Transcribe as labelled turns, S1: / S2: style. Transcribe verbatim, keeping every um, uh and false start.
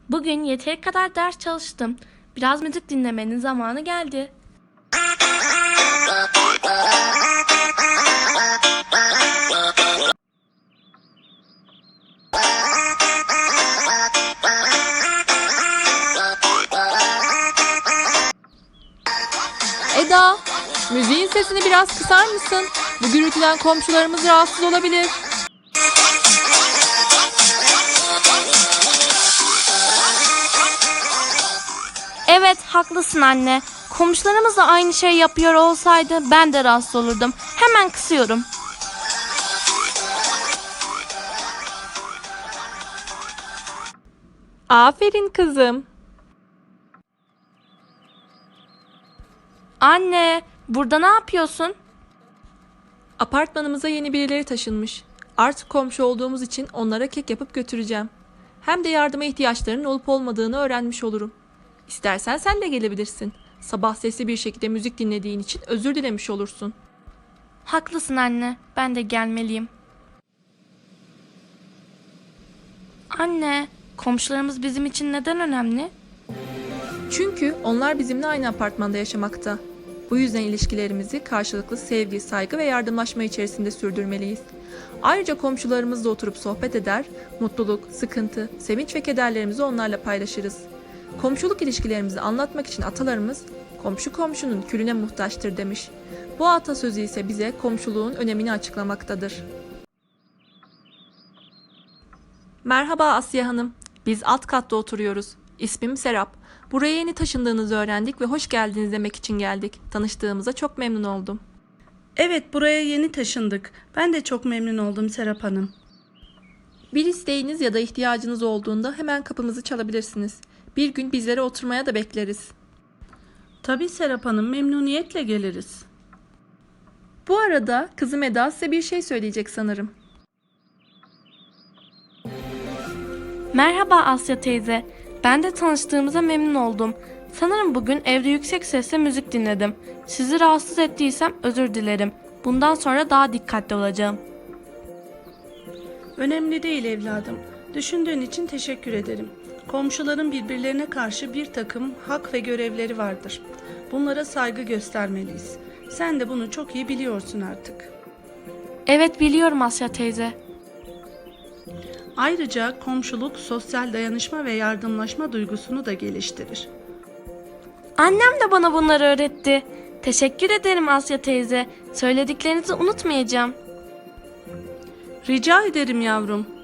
S1: Bugün yeteri kadar ders çalıştım. Biraz müzik dinlemenin zamanı geldi.
S2: Eda, müziğin sesini biraz kısar mısın? Bu gürültüden komşularımız rahatsız olabilir.
S1: Evet, haklısın anne. Komşularımız da aynı şey yapıyor olsaydı ben de rahatsız olurdum. Hemen kısıyorum.
S2: Aferin kızım.
S1: Anne, burada ne yapıyorsun?
S2: Apartmanımıza yeni birileri taşınmış. Artık komşu olduğumuz için onlara kek yapıp götüreceğim. Hem de yardıma ihtiyaçlarının olup olmadığını öğrenmiş olurum. İstersen sen de gelebilirsin. Sabah sesli bir şekilde müzik dinlediğin için özür dilemiş olursun.
S1: Haklısın anne, ben de gelmeliyim. Anne, komşularımız bizim için neden önemli?
S2: Çünkü onlar bizimle aynı apartmanda yaşamakta. Bu yüzden ilişkilerimizi karşılıklı sevgi, saygı ve yardımlaşma içerisinde sürdürmeliyiz. Ayrıca komşularımızla oturup sohbet eder, mutluluk, sıkıntı, sevinç ve kederlerimizi onlarla paylaşırız. Komşuluk ilişkilerimizi anlatmak için atalarımız, komşu komşunun külüne muhtaçtır demiş. Bu atasözü ise bize komşuluğun önemini açıklamaktadır. Merhaba Asya Hanım, biz alt katta oturuyoruz. İsmim Serap. Buraya yeni taşındığınızı öğrendik ve hoş geldiniz demek için geldik. Tanıştığımıza çok memnun oldum.
S3: Evet, buraya yeni taşındık. Ben de çok memnun oldum Serap Hanım.
S2: Bir isteğiniz ya da ihtiyacınız olduğunda hemen kapımızı çalabilirsiniz. Bir gün bizlere oturmaya da bekleriz.
S3: Tabii Serap Hanım, memnuniyetle geliriz.
S2: Bu arada kızım Eda size bir şey söyleyecek sanırım.
S1: Merhaba Asya teyze. Ben de tanıştığımıza memnun oldum. Sanırım bugün evde yüksek sesle müzik dinledim. Sizi rahatsız ettiysem özür dilerim. Bundan sonra daha dikkatli olacağım.
S3: Önemli değil evladım. Düşündüğün için teşekkür ederim. Komşuların birbirlerine karşı bir takım hak ve görevleri vardır. Bunlara saygı göstermeliyiz. Sen de bunu çok iyi biliyorsun artık.
S1: Evet biliyorum Asya teyze.
S3: Ayrıca komşuluk sosyal dayanışma ve yardımlaşma duygusunu da geliştirir.
S1: Annem de bana bunları öğretti. Teşekkür ederim Asya teyze. Söylediklerinizi unutmayacağım.
S3: Rica ederim yavrum.